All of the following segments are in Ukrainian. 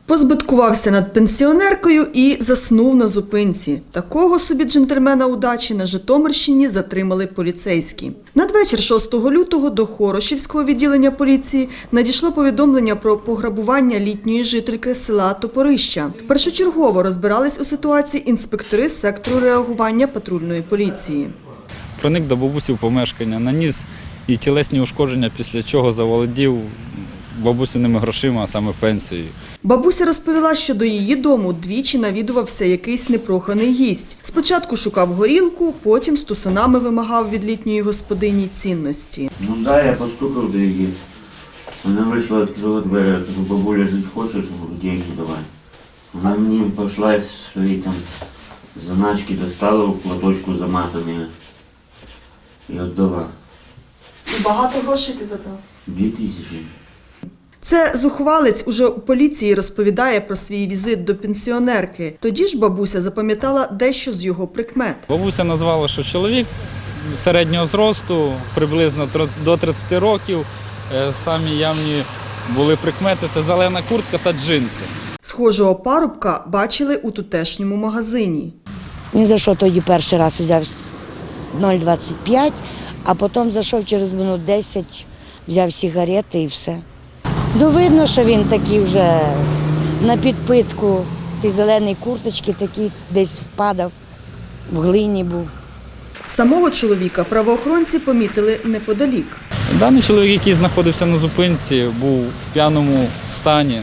Позбиткувався над пенсіонеркою і заснув на зупинці. Такого собі джентльмена удачі на Житомирщині затримали поліцейські. Надвечір 6 лютого до Хорошівського відділення поліції надійшло повідомлення про пограбування літньої жительки села Топорища. Першочергово розбирались у ситуації інспектори сектору реагування патрульної поліції. Проник до бабусі в помешкання, наніс їй тілесні ушкодження, після чого заволодів бабусиними грошима, а саме пенсією. Бабуся розповіла, що до її дому двічі навідувався якийсь непроханий гість. Спочатку шукав горілку, потім з тусанами вимагав від літньої господині цінності. Ну да, я постукав до її. Вона вийшла, відкрила двері, я кажу, бабуля, жити хочеш, деньги давай. Вона мені пішла свої там заначки, достала в платочку заматані і віддала. І багато грошей ти забрав? 2000. Це зухвалець уже у поліції розповідає про свій візит до пенсіонерки. Тоді ж бабуся запам'ятала дещо з його прикмет. Бабуся назвала, що чоловік середнього зросту, приблизно до 30 років. Самі явні були прикмети – це зелена куртка та джинси. Схожого парубка бачили у тутешньому магазині. Він зайшов тоді перший раз, взяв 0,25, а потім зайшов через минут 10, взяв сигарети і все. Ну, видно, що він такий вже на підпитку, ті зелені курточки такі, десь впадав, в глині був. Самого чоловіка правоохоронці помітили неподалік. Даний чоловік, який знаходився на зупинці, був в п'яному стані,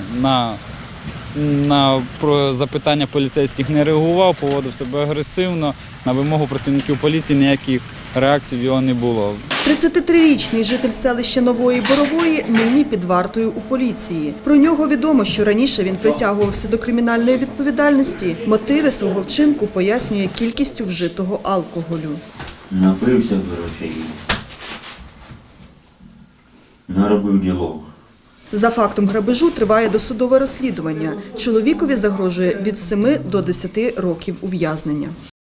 на запитання поліцейських не реагував, поводив себе агресивно. На вимогу працівників поліції ніяких реакцій в його не було. 33-річний житель селища Нової Борової нині під вартою у поліції. Про нього відомо, що раніше він притягувався до кримінальної відповідальності. Мотиви свого вчинку пояснює кількістю вжитого алкоголю. Напився, коротше, і наробив ділок. За фактом грабежу триває досудове розслідування. Чоловікові загрожує від 7 до 10 років ув'язнення.